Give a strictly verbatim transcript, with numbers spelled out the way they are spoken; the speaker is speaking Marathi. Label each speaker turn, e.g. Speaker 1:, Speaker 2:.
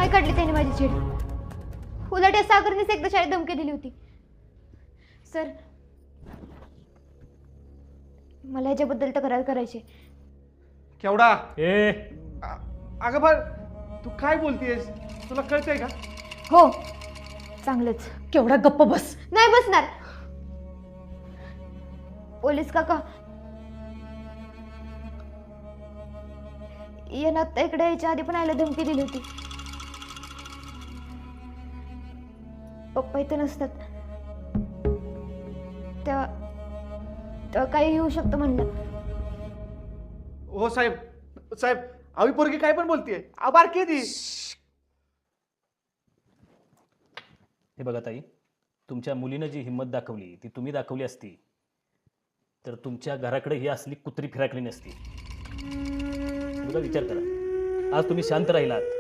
Speaker 1: नाही काढली त्याने माझी छेड. उलट या सागरनेच एकदा शाळेत धमकी दिली होती. सर, मला याच्याबद्दल तक्रार करायची.
Speaker 2: केवढा
Speaker 3: ए
Speaker 2: अगं बा तू काय बोलतेस? तुला कळतंय का?
Speaker 1: हो, चांगलंच.
Speaker 4: केवढा गप्प बस.
Speaker 1: नाही बसणार. पोलीस काका, यांना आता इकडे यायच्या आधी पण आयला धमकी दिली होती. पप्पा इथं नसतात तेव्हा तेव्हा काही येऊ शकतं म्हणलं.
Speaker 2: हो साहेब, साहेब आवी पोरगी काय पण बोलतीये. आभार की ती.
Speaker 3: हे बघा ताई, तुमच्या मुलीनं जी हिंमत दाखवली ती तुम्ही दाखवली असती तर तुमच्या घराकडे ही असली कुत्री फिराकली नसती. बघा, विचार करा. आज तुम्ही शांत राहिलात